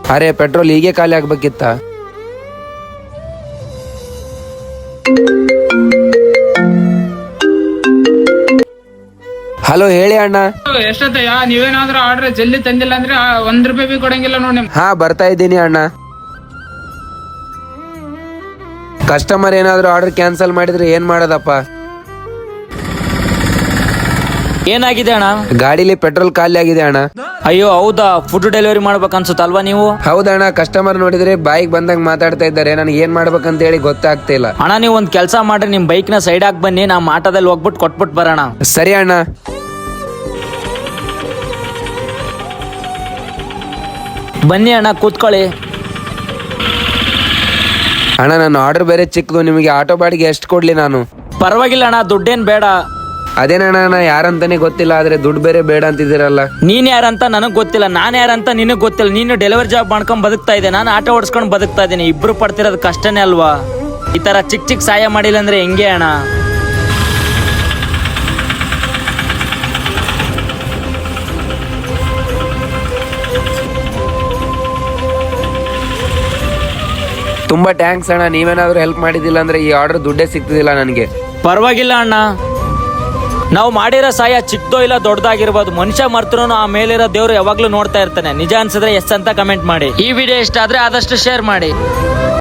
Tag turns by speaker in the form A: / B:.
A: ಅರೆ ಪೆಟ್ರೋಲ್ ಹೀಗೆ ಖಾಲಿ ಆಗ್ಬೇಕಿತ್ತ. ಹಲೋ ಹೇಳಿ ಅಣ್ಣ.
B: ಎಷ್ಟೊತ್ತಯ್ಯ? ನೀವೇನಾದ್ರೂ ಆರ್ಡರ್ ಜಲ್ದಿ ತಂದಿಲ್ಲ ಅಂದ್ರೆ ₹1 ಬಿ ಕೊಡಂಗಿಲ್ಲ ನೋಡಿ.
A: ಹಾ ಬರ್ತಾ ಇದ್ದೀನಿ ಅಣ್ಣ. ಕಸ್ಟಮರ್ ಏನಾದ್ರೂ ಆರ್ಡರ್ ಕ್ಯಾನ್ಸಲ್ ಮಾಡಿದ್ರೆ ಏನ್ ಮಾಡೋದಪ್ಪ?
C: ಏನಾಗಿದೆ ಅಣ್ಣ?
A: ಗಾಡಿಲಿ ಪೆಟ್ರೋಲ್ ಖಾಲಿ ಆಗಿದೆ ಅಣ್ಣ.
C: ಅಯ್ಯೋ ಹೌದಾ, ಫುಡ್ ಡೆಲಿವರಿ ಮಾಡ್ಬೇಕನ್ಸುತ್ತಲ್ವಾ ನೀವು?
A: ಹೌದಣ್ಣ, ಕಸ್ಟಮರ್ ನೋಡಿದ್ರೆ ಬಾಯಿಗೆ ಬಂದಂಗ್ ಮಾತಾಡ್ತಾ ಇದ್ದಾರೆ. ನನಗೆ ಏನ್ ಮಾಡ್ಬೇಕಂತ ಹೇಳಿ ಗೊತ್ತಾಗ್ತಾ ಇಲ್ಲ.
C: ಅಣ್ಣ ನೀವು ಒಂದ್ ಕೆಲಸ ಮಾಡ್ರಿ, ನಿಮ್ ಬೈಕ್ ನ ಸೈಡ್ ಹಾಕಿ ಬನ್ನಿ, ನಮ್ಮ ಆಟೋದಲ್ಲಿ ಹೋಗ್ಬಿಟ್ಟು ಕೊಟ್ಬಿಟ್ಟು ಬರೋಣ.
A: ಸರಿ ಅಣ್ಣ.
C: ಬನ್ನಿ ಅಣ್ಣ ಕೂತ್ಕೊಳ್ಳಿ.
A: ಅಣ್ಣ ನನ್ನ ಆರ್ಡರ್ ಬೇರೆ ಚಿಕ್ಕದು, ನಿಮಗೆ ಆಟೋ ಬಾಡಿಗೆ ಎಷ್ಟು ಕೊಡ್ಲಿ ನಾನು?
C: ಪರವಾಗಿಲ್ಲ ಅಣ್ಣ, ದುಡ್ಡೇನ್ ಬೇಡ.
A: ಅದೇನಣ್ಣ, ನಾ ಯಾರಂತಾನೆ ಗೊತ್ತಿಲ್ಲ, ಆದ್ರೆ ದುಡ್ಡು ಬೇರೆ ಬೇಡ ಅಂತಿದ್ದೀರಲ್ಲ.
C: ನೀನ್ ಯಾರಂತ ನನಗ್ ಗೊತ್ತಿಲ್ಲ, ನಾನ್ ಯಾರಂತ ನಿನಗ್ ಗೊತ್ತಿಲ್ಲ. ನೀನು ಡೆಲಿವರಿ ಜಾಬ್ ಮಾಡ್ಕೊಂಡ್ ಬದುಕ್ತಾ ಇದ್ದೆ, ನಾನು ಆಟೋ ಓಡಿಸ್ಕೊಂಡ್ ಬದುಕ್ತಾ ಇದ್ದೀನಿ. ಇಬ್ರು ಪಡ್ತಿರೋದು ಕಷ್ಟನೇ ಅಲ್ವಾ? ಈ ತರ ಚಿಕ್ಕ ಚಿಕ್ಕ ಸಹಾಯ ಮಾಡಿಲ್ಲ ಅಂದ್ರೆ ಹೆಂಗೆ ಅಣ್ಣ?
A: ತುಂಬಾ ಥ್ಯಾಂಕ್ಸ್ ಅಣ್ಣ. ನೀವೇನಾದ್ರೂ ಹೆಲ್ಪ್ ಮಾಡಿದಿಲ್ಲ ಅಂದ್ರೆ ಈ ಆರ್ಡರ್ ದುಡ್ಡೇ ಸಿಗ್ತಿದಿಲ್ಲ ನನಗೆ.
C: ಪರವಾಗಿಲ್ಲ ಅಣ್ಣ, ನಾವು ಮಾಡಿರೋ ಸಹಾಯ ಚಿಕ್ಕದೋ ಇಲ್ಲ ದೊಡ್ಡದಾಗಿರ್ಬೋದು, ಮನುಷ್ಯ ಮರ್ತರೂ ಆ ಮೇಲಿರೋ ದೇವ್ರು ಯಾವಾಗ್ಲೂ ನೋಡ್ತಾ ಇರ್ತಾನೆ. ನಿಜ ಅನ್ಸಿದ್ರೆ ಎಸ್ ಅಂತ ಕಮೆಂಟ್ ಮಾಡಿ. ಈ ವಿಡಿಯೋ ಇಷ್ಟ ಆದ್ರೆ ಆದಷ್ಟು ಶೇರ್ ಮಾಡಿ.